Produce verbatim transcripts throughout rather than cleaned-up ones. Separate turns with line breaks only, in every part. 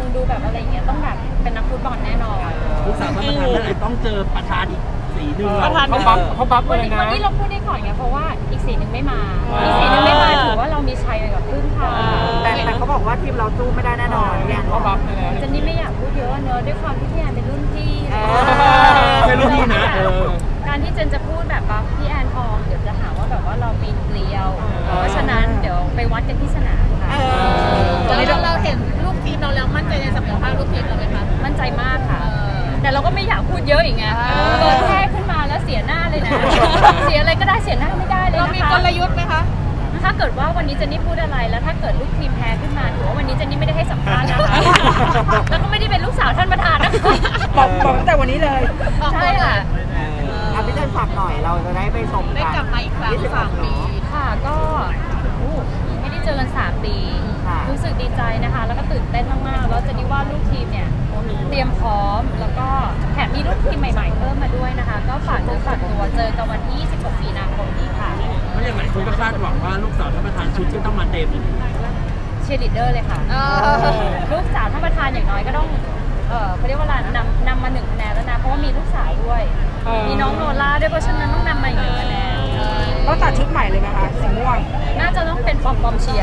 ดูแบบอะไรอย่างเงี้ยต้องแบบเป็นนักฟุตบอลแน่นอน
ลูกสาวท่านประธานเมื่อไหร่ต้องเจอประธานอีกสีหนึ่ง
ประธาน
เขา
เขา
บั
บั
ฟ
ฟเขาบัฟ
วัน
เลย
นี้
นะ
วันนี้เราพูดได้ก่อนไงเพราะว่าอีกสีหนึ่งไม่มาอีกสีหนึ่งไม่มาถือว่าเรามีชัยไปกับครึ่งทาง
แต่แต่เขาบอกว่าทีมเราสู้ไม่ได้แน่นอนพี่แอน
เขาบัฟไปแล้ว
เจนนี่ไม่อยากพูดเยอะเนอะด้วยความที่พี่แอนเป็นรุ่นพี่
เป็นรุ่นพี่นะเออ
การที่เจนจะพูดแบบบัฟพี่แอนทองเดี๋ยวจะหาว่าแบบว่าเราปีนเกลียว เพราะฉะนั้นเดี๋ยวไปวัดกันที่สนามค่ะ
แล้วเราเห็นลูกทีมเราแล้วมั่นใจในศักยภาพลูกทีมเราไหมคะ
มั่นใจมากค่ะ แต่เราก็ไม่อยากพูดเยอะอีกไงเกิดแพ้ขึ้นมาแล้วเสียหน้าเลยนะ เสียอะไรก็ได้เสียหน้าไม่ได้เลย
เรา
นะคะ
มีกลยุทธ์ไหมคะ
ถ้าเกิดว่าวันนี้เจนนี่พูดอะไรแล้วถ้าเกิดลูกทีมแพ้ขึ้นมาถือว่าวันนี้เจนนี่ไม่ได้ให้สัมภาษณ์นะคะ แล้วก็ไม่ได้เป็นลูกสาวท่านประธานนะคะ
บอกบอกตั้งแต่วันนี้เลย
ใช่ค่ะ
อ่ะพี่เต้นฝากหน่อยเราจะได้ไปชมกัน
ได้กลับมาอีกครั้ง
ยี่สิบ
สามปี
ค่ะก็โอ้ไม่ได้เจอกันสามปี
ค่ะ
รู้สึกดีใจนะคะ แล้วก็ตื่นเต้นมากๆแล้วเจนนี่ว่าลูกทีมเนี่ยเตรียมพร้อมแล้วก็แถมมีลูกทีมใหม่ ๆ เพิ่มมาด้วยนะคะ ก็ฝากเจอฝากตัวเจอกันวันที่ยี่สิบหกมีนาคมนี้ค่ะ
เพราะอย่างหลายคนก็คาดหวังว่าลูกสาวท่านประธานชุดก็ต้องมาเต็ม
เชียร์ลีดเดอร์เลยค่ะ ลูกสาวท่านประธานอย่างน้อยก็ต้อง เออเขาเรียกว่าอะไรนำนำมาหนึ่งคะแนนแล้วนะ เพราะว่ามีลูกสาวด้วย มีน้องโนล่าด้วย เพราะฉะนั้นต้องนำมาอีกหนึ่งคะแนน
ต้องตัดชุดใหม่เลยไหมคะสีม่วง
น่าจะต้องเป็นปอมปอมเชียร์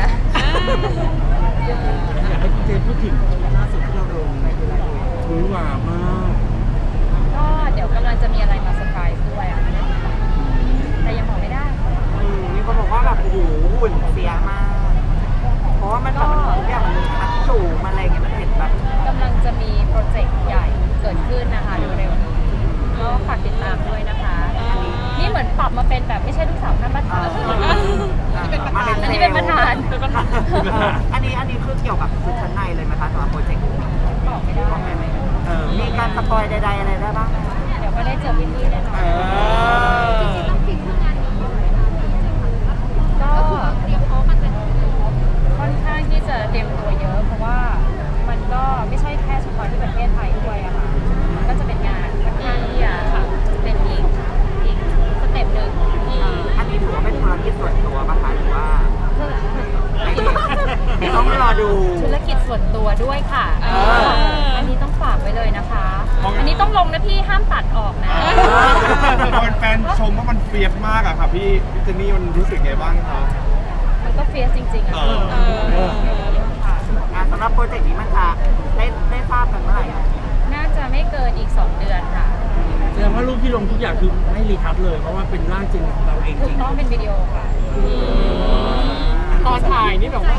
อยากให้คุณเจนพูดถึงล่าสุดที่เราลงหวือหวามาก
ก็เดี๋ยวกำลังจะมีอะไรมาเซอร์ไพรส์ด้วยอะแต่ยังบอกไม่ได้
อืมมีคนบอกว่าแบบโอ้โหหุ่นเสียมาก เพราะว่ามันแบบมันทุกอย่างมันทัดสูงมันอะไรอย่างเงี้ยมันเห็นแบบ
กำลังจะมีโปรเจกต์ใหญ่เกิดขึ้นนะคะเร็วๆนี้ก็ฝากติดตามด้วยนะคะ นี่เหมือนปรับมาเป็นแบบไม่ใช่ลูกสาวท่านประธาน
มาเป็น
อันนี้เป็นประธาน
อันนี้อันนี้คือเกี่ยวกับชุดชั้นในเลยไหมคะสำหรับโปรเจกต์นี้
บอกไม่ได้
บอกได้ไหมเออมีการสปอยใดๆอะไรได้บ้างไหม
เดี๋ยวก็ได้เจอพี่ๆแน่นอน
เออ
ก็ค่อนข้างที่จะเตรียมตัวเยอะ เพราะว่ามันก็ไม่ใช่แค่เฉพาะที่ประเทศไทยด้วยอะค่ะก็จะเป็นงานค่อนข้างที่จะค่ะเป็นอีกอีกสเต็ปหนึ่ง
อันนี้ถือว่าเป็นธุรกิจส่วนตัวป่ะคะหรือว่า
คือ
ต้องรอดู
ธุรกิจส่วนตัวด้วยค่ะ
เออ
อันนี้ต้องฝากไว้เลยนะคะ อันนี้ต้องลงนะพี่ห้ามตัดออกนะ
พอเป็นแฟนชมว่ามันเฟียสมากอะค่ะพี่พี่เจนนี่มันรู้สึกไงบ้างครับ
มันก็เฟียสจริงๆอะ
เออ
ค่ะ
อ่ะสำหรับโปรเจกต์นี้มันจะได้ได้ทราบกันเมื่อไหร่อ่ะ
น่าจะไม่เกินอีกสองเดือนค่ะ
แสดงว่ารูปที่ลงทุกอย่างคือไม่รีทัชเลย เพราะว่าเป็นร่างจริงของเราเองจ
ถู
ริ
ก
ง
ต้องเป็นวิดีโอค่ะ
ตอนถ่ายนี่แบบว่า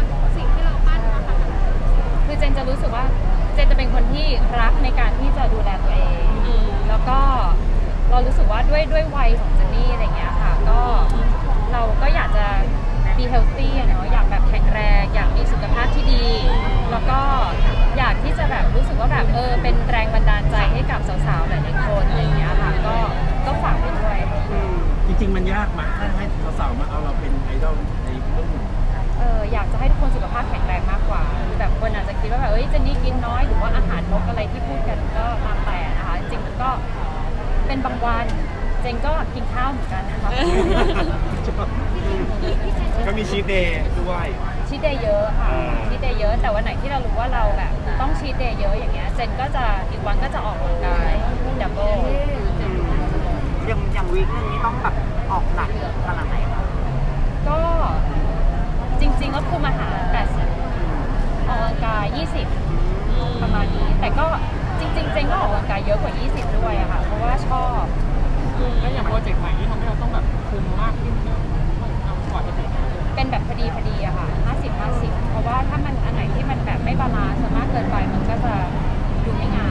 คือเจนจะรู้สึกว่าเจนจะเป็นคนที่รักในการที่จะดูแลตัวเอง แล้วก็เรารู้สึกว่าด้วยด้วยวัยของเจนนี่อะไรเงี้ยค่ะ ก็เราก็อยากจะ be healthy อะเนาะอยากแบบแข็งแรงอยากมีสุขภาพที่ดี แล้วก็อยากที่จะแบบรู้สึกว่าแบบเออเป็นแรงบันดาลใจให้กับสาวๆหลายๆคนอะไรเงี้ยค่ะ ก็ก็ฝากไปด้วย
จริง ๆ มันยากมากถ้าให้สาวๆมาเอาเราเป็นไอดอลในเรื่องหุ่น
เอออยากจะให้ทุกคนสุขภาพแข็งแรงมากกว่าคือแบบคนอาจจะคิดว่าแบบเอ้ยเจนนี่กินน้อยหรือว่าอาหารลดอะไรที่พูดกันก็ตามแต่นะคะจริงๆมันก็เป็นบางวันเจนก็กินข้าวเหมือนกันนะคะ
ก็มีชีทเดย์ด้วย
ชีทเดย์เยอะค่ะ
อ่า
ชีทเดย์เยอะแต่วันไหนที่เรารู้ว่าเราแบบต้องชีทเดย์เยอะอย่างเงี้ยเจนก็จะอีกวันก็จะออกกำลังกายดับเบิล
อย่างอย่างวีคนึงนี่ต้องแบบออกหนักขนาดไหนคะ
ก็จริงๆก็คุมอาหารแปดสิบออกกำลังกายยี่สิบประมาณนี้แต่ก็จริงๆเจนก็ออกกำลังกายเยอะกว่ายี่สิบด้วยอะค่ะเพราะว่าชอบ
แล้วอย่างโปรเจกต์ใหม่ที่ทำให้เราต้องแบบคุมมากขึ้นเนี่ยเรากว่าจะถึง
เป็นแบบพอดีพอดีอะค่ะห้าสิบ ห้าสิบเพราะว่าถ้ามันอันไหนที่มันแบบไม่บาลานซ์มากเกินไปมันก็จะดูไม่งาม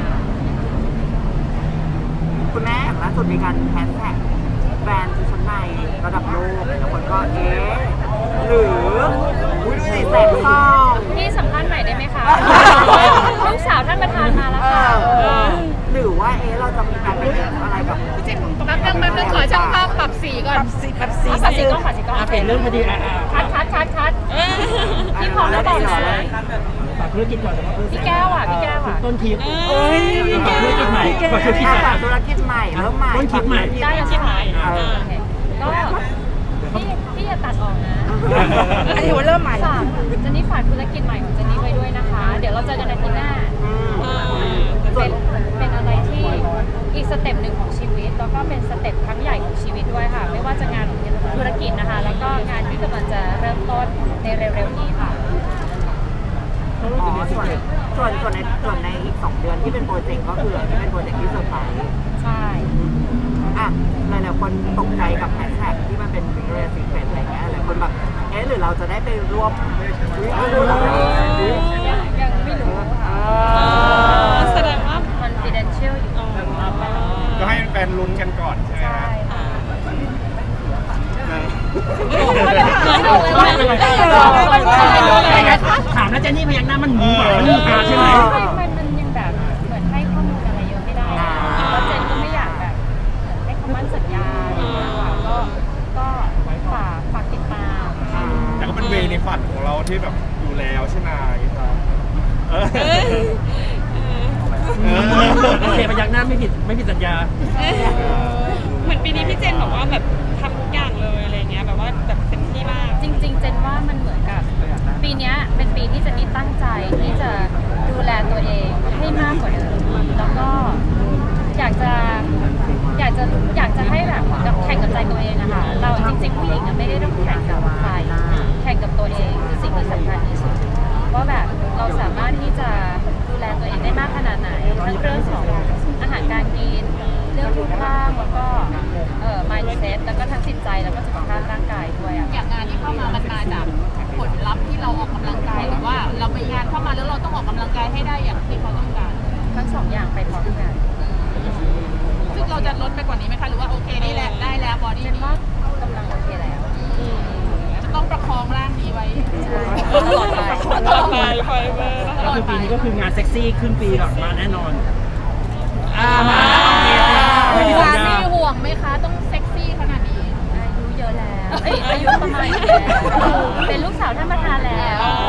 คุณแม่อย่างล่าสุดมีการแฮชแท็กแบรนด์ชุดชั้นในระดับโลกแล้วคนก็เอ๊ะหรืออุ้ยดูสิแสงทอง
พี่สัมภาษณ์ใหม่ได้ไหมคะ ลูกสาวท่านประธานมาแล้ว
เอ
ค่ะ
อหรือว่าเอ๊ะเราจะมีการไปเห็นอะไรกับ
แป๊บนึงแป๊บนึงขอช่างภาพปรับสีก่อน
สีแบบสี
ขอสีกล้องขอสีกล้อง
อ่ะเปลี่ยนเรื่องพอดีอ่ะอ่ะ
คัดคัดคัดคัดพี่พร้อมแล้วบอกนะ
ฝากธุรกิจก่อนนะครับ
พี่แก้วอ่ะพี่แก้วอ่ะ
ต้นทิพย์
เอ้ย
ฝากธุรกิจใหม่ฝากธุรกิจใหม่
ฝากธุรกิจใหม่เริ่มใหม่
ต้นคิดใหม่
ได้แล้วใช่ไหม
เออ
โอเคก็พี่พี่อย่าตัดออกนะ
อันนี้ว่าเริ่มใหม่
ฝากเจนนี่ฝากธุรกิจใหม่ของเจนนี่ไว้ด้วยนะคะ เดี๋ยวเราเจอกันอาทิตย์หน้า
ส่ว
เป็น นเป็นอะไรที่อีกสเต็ปหนึ่งของชีวิต แล้วก็เป็นสเต็ปครั้งใหญ่ของชีวิตด้วยค่ะ ไม่ว่าจะงานธุรกิจนะคะ แล้วก็งานที่กำลังจะเริ่มต้นในเร็วๆนี้ค่ะ
อ๋อส่วนส่วนส่วนในส่วนในอีกสองเดือนที่เป็นโปรเจกต์ก็คือที่เป็นโปรเจกต์ที่เซอร์ไพรส์
ใช่
อ่ะหลายๆคนตกใจกับแฮชแท็กที่มันเป็น Victoria's Secret อะไรเงี้ยหลายคนแบบเอ๊ะหรือเราจะได้ไปร่วมไม่รู้หรอก
ยังยังไม่รู้ค่ะ
แสดงว่า
confidential อยู่
ก็ให้แฟนๆลุ้นกันก่อนใช่ไหม
ใช่
ฮะ
ค่ะ
ถามแล้วเจนนี่พยักหน้ามันงูแบบมันงูตาใช่ไหม
ไม่ไม่มันยังแบบเหมือนให้ข้อมูลอะไรเยอะไม่ได้อะแล้วเจนก็ไม่อยากแบบเหมือนให้คำมั่นสัญญาอะไรอย่างเงี้ยค่ะก็ก็ฝากฝากติดตาม
แต่ก็เป็นเวในฝันของเราที่แบบอยู่แล้วใช่ไหมครับเออเออ
โอเคพยักหน้าไม่ผิดไม่ผิดสัญญา
เหมือนปีนี้พี่เจนบอกว่าแบบทำทุกอย่างเลยอะไรเงี้ยแบบว่าแบบเต็มที่มาก
จริง ๆ เจนว่ามันเหมือนกับ ปีเนี้ยเป็นปีที่เจนนี่ตั้งใจที่จะดูแลตัวเองให้มากกว่าเดิมแล้วก็อยากจะอยากจะอยากจะให้แบบเหมือนกับแข่งกับใจตัวเองอะค่ะเราจริงๆผู้หญิงอะไม่ได้ต้องแข่งกับใครแข่งกับตัวเองคือสิ่งที่สำคัญที่สุดว่าแบบเราสามารถที่จะดูแลตัวเองได้มากขนาดไหนทั้งเรื่องของอาหารการกินเรื่องรูปร่างแล้วก็เอ่อ mindset แล้วก็ทั้งจิตใจแล้วก็สุขภาพร่างกายด้วยอะ
อย่างงานที่เข้ามามันมาจากผลลัพธ์ที่เราออกกำลังกายหรือว่าเราไปงานเข้ามาแล้วเราต้องออกกำลังกายให้ได้อย่างที่เขาต้องการ
ทั้งสองอย่างไปพร้อมกัน
ซึ่งเราจะลดไปกว่านี้ไหมคะหรือว่าโอเคนี่แหละได้แล้วบอดี้
เจนว่ากำลังโอเคแล้ว
จะต้องประคองร่างนี้ไว้
ใช่ตลอดไป
ตลอดไปไฟเบอร์ต
ก็
ลอ
คื
ด
อ
ไป
ปีนี้ก็คืองานเซ็กซี่ครึ่งปีแบบมาแน่นอนอ่ามาโอเคไม่ผิดสัญ
สา
ญา
มีห่วงไหมคะต้องเซ็กซี่ขนาดนี้
อายุเยอะแล้วเอ้ยอายุประมาณนี้แล้วเป็นลูกสาวท่านประธานแล้ว